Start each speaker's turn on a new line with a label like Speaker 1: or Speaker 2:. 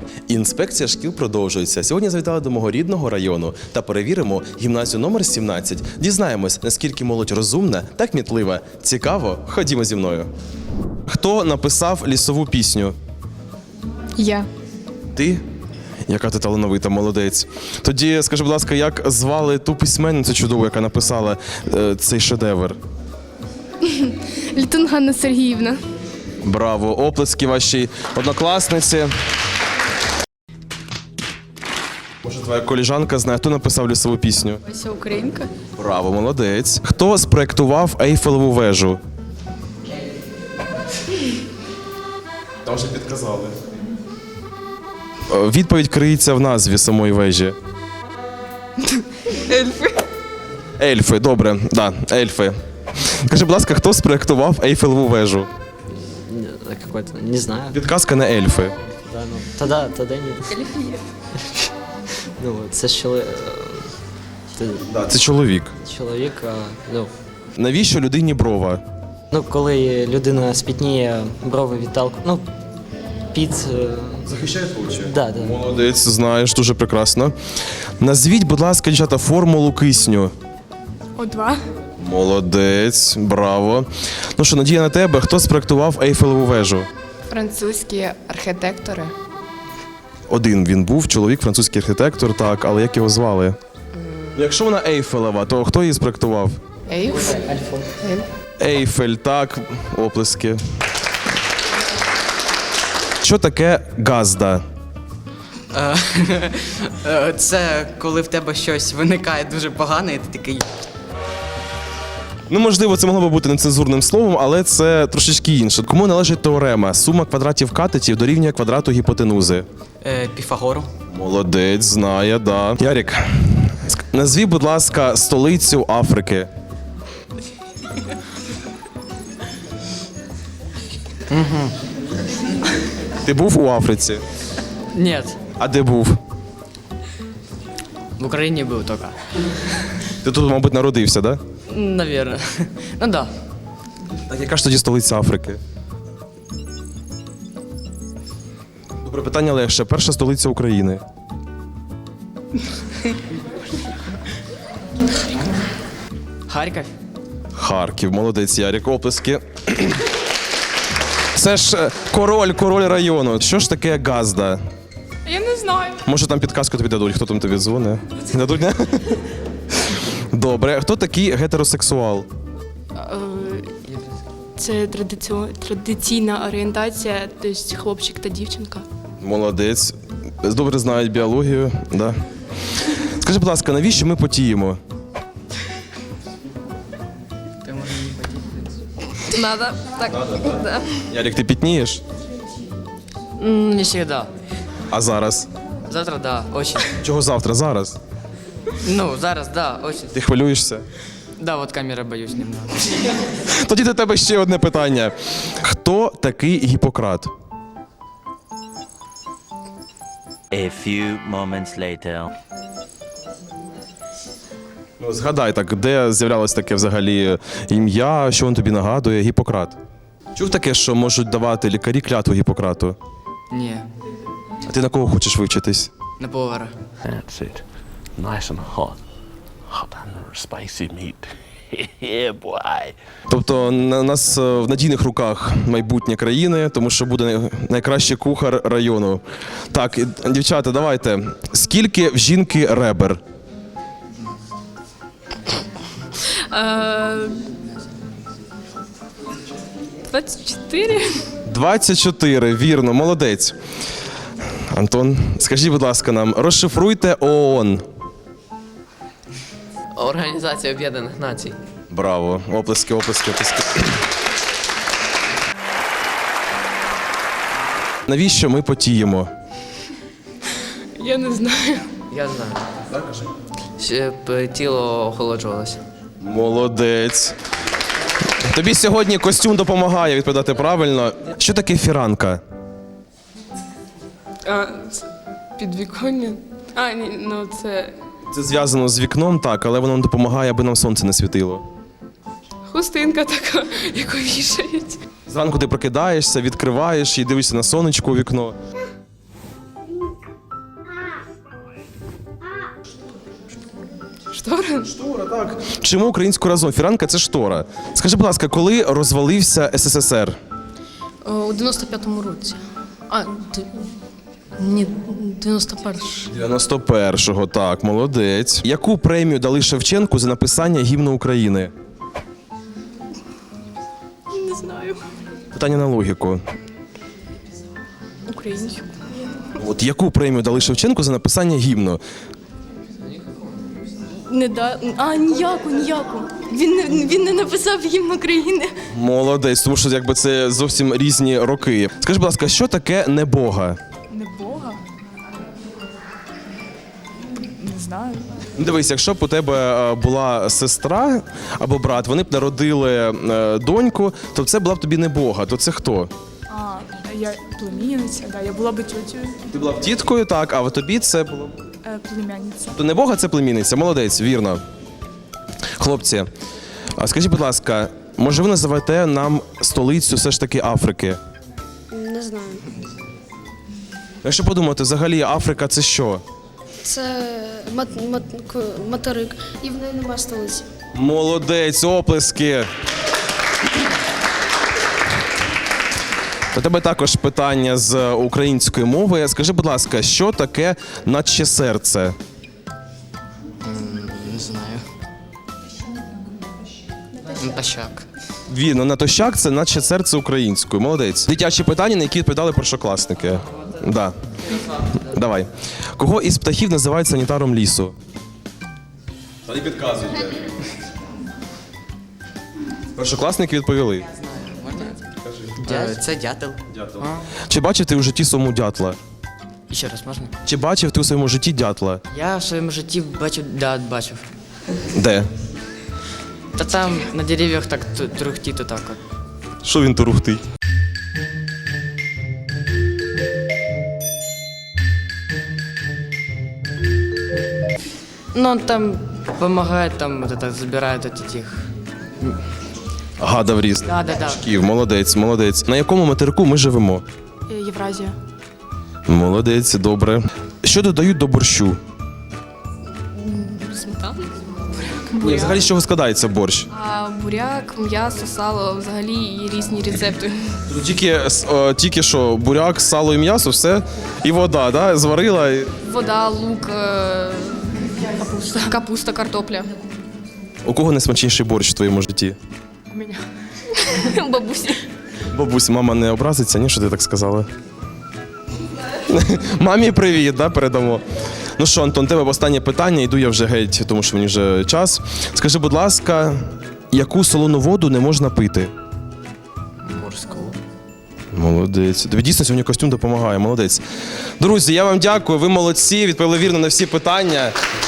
Speaker 1: Інспекція шкіл продовжується. Сьогодні завітали до мого рідного району та перевіримо гімназію номер 17. Дізнаємось, наскільки молодь розумна та кмітлива. Цікаво? Ходімо зі мною. Хто написав лісову пісню?
Speaker 2: Я.
Speaker 1: Ти? Яка ти талановита, молодець. Тоді скажи, будь ласка, як звали ту письменницю чудову, яка написала цей шедевр?
Speaker 2: Літун Ганна Сергіївна.
Speaker 1: Браво! Оплески вашій однокласниці. Може, твоя коліжанка знає, хто написав лісову пісню?
Speaker 2: Ася Українка.
Speaker 1: Браво, молодець. Хто спроектував Ейфелеву вежу? Там вже підказали. Відповідь криється в назві самої вежі.
Speaker 2: Ельфи.
Speaker 1: Ельфи, добре, да, ельфи. Скажи, будь ласка, хто спроектував Ейфелеву вежу?
Speaker 3: Какой-то, не знаю.
Speaker 1: Підказка на ельфи.
Speaker 3: Да, ну, тогда нет. Ну, це ж
Speaker 1: Да, це чоловік.
Speaker 3: чоловік, ну,
Speaker 1: Навіщо людині брова?
Speaker 3: коли людина спітніє, брови відталку, ну,
Speaker 1: Захищає очі.
Speaker 3: Да.
Speaker 1: Молодець, знаєш, дуже прекрасно. Назвіть, будь ласка, дівчата, формулу кисню.
Speaker 2: О2.
Speaker 1: Молодець, браво. Ну що, надія на тебе, хто спроектував Ейфелеву вежу?
Speaker 2: Французькі архітектори.
Speaker 1: Один він був, чоловік, французький архітектор, так, але як його звали? Якщо вона Ейфелева, то хто її спроектував?
Speaker 2: Ейф.
Speaker 1: Ейфель, так, оплески. Що таке газда?
Speaker 4: Це коли в тебе щось виникає дуже погане, і ти такий.
Speaker 1: Ну, можливо, це могло би бути нецензурним словом, але це трошечки інше. Кому належить теорема? Сума квадратів катетів дорівнює квадрату гіпотенузи.
Speaker 4: Піфагору.
Speaker 1: Молодець, знає, да. Ярік, назві, будь ласка, столицю Африки. Ти був у Африці?
Speaker 4: Нет,
Speaker 1: А де був?
Speaker 4: в Україні був тільки.
Speaker 1: Ти тут, мабуть, народився, да?
Speaker 4: Наверное. Ну да.
Speaker 1: Так яка ж тоді столиця Африки? Добре, питання легше. Перша столиця України.
Speaker 4: Харків.
Speaker 1: Харків, молодець, Ярік, оплески. Це ж король району. Що ж таке газда?
Speaker 2: Я не знаю.
Speaker 1: Може там підказку тобі дадуть, хто там тобі дзвонить? Дадуть, не? Добре, хто такий гетеросексуал?
Speaker 2: Це традиційна орієнтація, тобто хлопчик та дівчинка.
Speaker 1: Молодець. Добре знають біологію, да. Скажи, будь ласка, навіщо ми потіємо?
Speaker 4: Ти можеш мені поділитися?
Speaker 2: Надо. Так. Да.
Speaker 1: Ярік, ти пітнієш?
Speaker 4: Не всегда.
Speaker 1: А зараз?
Speaker 4: Завтра да, очень.
Speaker 1: Чого завтра? Зараз?
Speaker 4: Ну, зараз да, очень.
Speaker 1: Ти хвилюєшся?
Speaker 4: Да, вот камера боюсь немного.
Speaker 1: Тоді до тебе ще одне питання. Хто такий Гіппократ?
Speaker 5: A few moments later.
Speaker 1: Ну, згадай так, де з'являлось таке взагалі ім'я, що він тобі нагадує? Гіппократ. Чув таке, що можуть давати лікарі клятву Гіппократу?
Speaker 4: Ні,
Speaker 1: А ти на кого хочеш вивчитись?
Speaker 4: на повара.
Speaker 5: That's it. Nice and hot. Hot and spicy meat. Yeah, boy.
Speaker 1: Тобто у нас в надійних руках майбутнє країни, тому що буде найкращий кухар району. Так, дівчата, давайте. Скільки в жінки ребер?
Speaker 2: 24.
Speaker 1: 24, вірно, молодець. Антон, скажіть, будь ласка, нам, розшифруйте ООН.
Speaker 6: Організація Об'єднаних Націй.
Speaker 1: Браво, оплески, оплески, оплески. Навіщо ми потіємо?
Speaker 2: Я не знаю.
Speaker 6: Я знаю. Щоб тіло охолоджувалося.
Speaker 1: Молодець. Тобі сьогодні костюм допомагає відповідати правильно. Що таке фіранка?
Speaker 2: Це підвіконня. Ні, ну це
Speaker 1: Це зв'язано з вікном, так, але воно нам допомагає, аби нам сонце не світило.
Speaker 2: хустинка така, яку вішають.
Speaker 1: Зранку ти прокидаєшся, відкриваєш і дивишся на сонечко у вікно.
Speaker 2: Штора?
Speaker 1: Штора, так. Чому українською разом? Фіранка це штора. Скажи, будь ласка, коли розвалився СССР?
Speaker 7: У 95-му році. Ні, 91-й.
Speaker 1: 91-го, так, молодець. Яку премію дали Шевченку за написання гімну України?
Speaker 2: Не знаю.
Speaker 1: Питання на логіку.
Speaker 2: Українську.
Speaker 1: От яку премію дали Шевченку за написання гімну?
Speaker 2: Ніяку. Він не написав гімн України.
Speaker 1: Молодець, тому що якби це зовсім різні роки. Скажи, будь ласка, що таке небога?
Speaker 8: Не Бога? Не знаю.
Speaker 1: Дивись, якщо б у тебе була сестра або брат, вони б народили доньку, то це була б тобі небога. То це хто?
Speaker 8: Я племінниця, да, я була би тьотю,
Speaker 1: Ти була б тіткою, так, а в тобі це було б.
Speaker 8: племянниця.
Speaker 1: То небога це племінниця. Молодець, вірно. Хлопці, а скажіть, будь ласка, може ви називаєте нам столицю все ж таки Африки?
Speaker 9: Не знаю.
Speaker 1: Якщо подумати, взагалі Африка це що?
Speaker 9: Це материк, і в неї немає столиці.
Speaker 1: Молодець, оплески. До тебе також питання з української мови. Скажи, будь ласка, що таке наче серце?
Speaker 4: Не знаю. Натощак.
Speaker 1: Вірно, натощак це наче серце українською. Молодець. Дитячі питання, на які відповідали першокласники. Да. Давай. Кого із птахів називають санітаром лісу? Та не підказуйте. Першокласники відповіли.
Speaker 4: Це дятел.
Speaker 1: Чи бачив ти у житті своєму дятла?
Speaker 4: І ще раз можна?
Speaker 1: Чи бачив ти у своєму житті дятла?
Speaker 4: Я в своєму житті бачив.
Speaker 1: Де?
Speaker 4: Та там на дерев'ях так трухтіт отак от.
Speaker 1: Що він турухтить?
Speaker 4: Ну, он там помогает, там вот это забирает от этих.
Speaker 1: Гадав різ.
Speaker 4: Да.
Speaker 1: Ків, молодець, молодець. На якому материку ми живемо?
Speaker 2: Євразія.
Speaker 1: Молодець, добре. Що додають до борщу?
Speaker 2: Сметана.
Speaker 1: Ні, взагалі з чого складається борщ?
Speaker 2: Буряк, м'ясо, сало, взагалі і різні рецепти.
Speaker 1: Тільки що буряк, сало і м'ясо, все. І вода, да? Зварила.
Speaker 2: Вода, лук, капуста, картопля.
Speaker 1: У кого найсмачніший борщ в твоєму житті?
Speaker 2: У мене. Бабусі.
Speaker 1: Бабусь, мама не образиться, ні, що ти так сказала? Мамі привіт, да, передамо. Ну що, Антон, тебе останнє питання, йду я вже геть, тому що мені вже час. Скажи, будь ласка, яку солону воду не можна пити?
Speaker 6: Морську.
Speaker 1: Молодець. Тобі дійсно сьогодні костюм допомагає, молодець. Друзі, я вам дякую, ви молодці, відповіли вірно на всі питання.